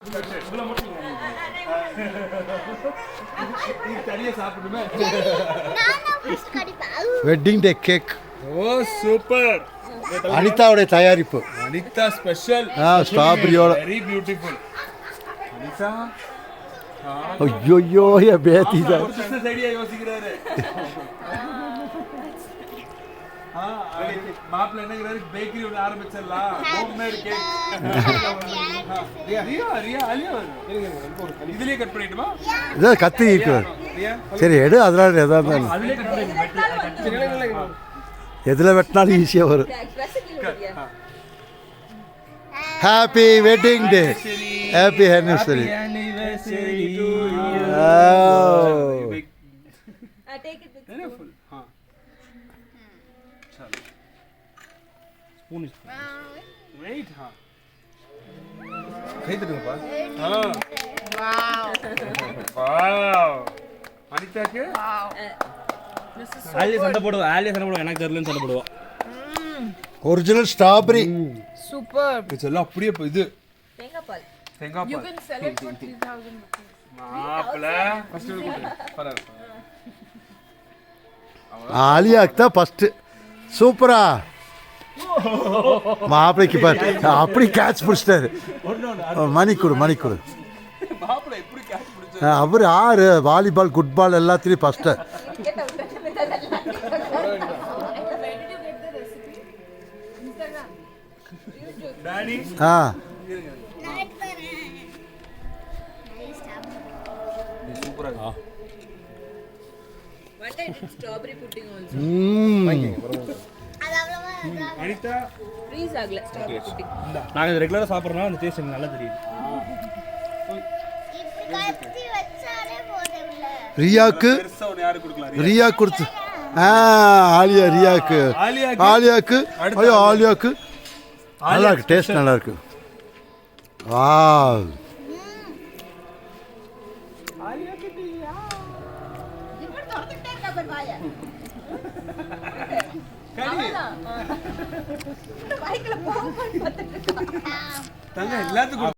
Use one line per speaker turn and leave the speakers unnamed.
Wedding day cake.
ஓ super.
அனிதாவுடைய தயாரிப்பு.
அனிதா ஸ்பெஷல்.
ஸ்ட்ராபெரியோட.
Very beautiful. அனிதா
ஐயோ என் பேத்தி தான்
பிசினஸ் ஐடியா யோசிக்கிறாரு. மாப்பிள்ள என்னங்கிறாரு, பேக்கரி ஒன்று ஆரம்பிச்சிடலாம், ஹோம்மேட் கேக். இதுலயே கட் பண்ணிட்டுமா?
இதை கத்தி இருக்கிறார். சரி எடு, அதனால எதாவது எதில் வெட்டினாலும் ஈஸியாக வரும். Happy wedding day. Happy anniversary.
Wait, हाँ. कहीं तो नहीं पास. हाँ. Wow. अनिता के?
ஆலியா சண்டை போடுவோம், ஆலியா சண்டை போடுவோம், எனக்கு தெரியலன்னு சண்டை போடுவோம்.
Original strawberry.
சூப்பர்.
இதெல்லாம் அப்படியே இது
தேங்காய் பால்.
You can sell it for 3,000 rupees.
மாப்பிள்ள ஃபர்ஸ்ட் பரவாயில்லை.
ஆலியாக்கு தான் ஃபஸ்ட்டு. சூப்பரா மாப்பிளைக்கு பாரு, அப்படி கேட்ச் பிடிச்சிட்டாரு. மணி கொடு.
மாப்பிள்ள எப்படி கேட்ச் பிடிச்சாரு?
அவர் ஆறு வாலிபால் ஃபுட்பால் எல்லாத்துலேயும் ஃபஸ்ட்டு.
டாடி சூப்பரா இருக்கு.
What I did strawberry pudding also.
Anitha
Freeze ஆகல strawberry pudding.
நாங்கள் இது ரெகுலராக சாப்பிட்றோம்னா அந்த டேஸ்ட் எனக்கு நல்லா தெரியுது.
ரியாக்கு
பெருசா ஒன்று யாரு கொடுக்கலாம்?
ரியா கொடுத்து ரியாக்கு ஐயோ ஆலியாக்கு நல்லா இருக்கு, டேஸ்ட் நல்லா இருக்கு. வாவ்.
தங்க எல்லாத்துக்கும்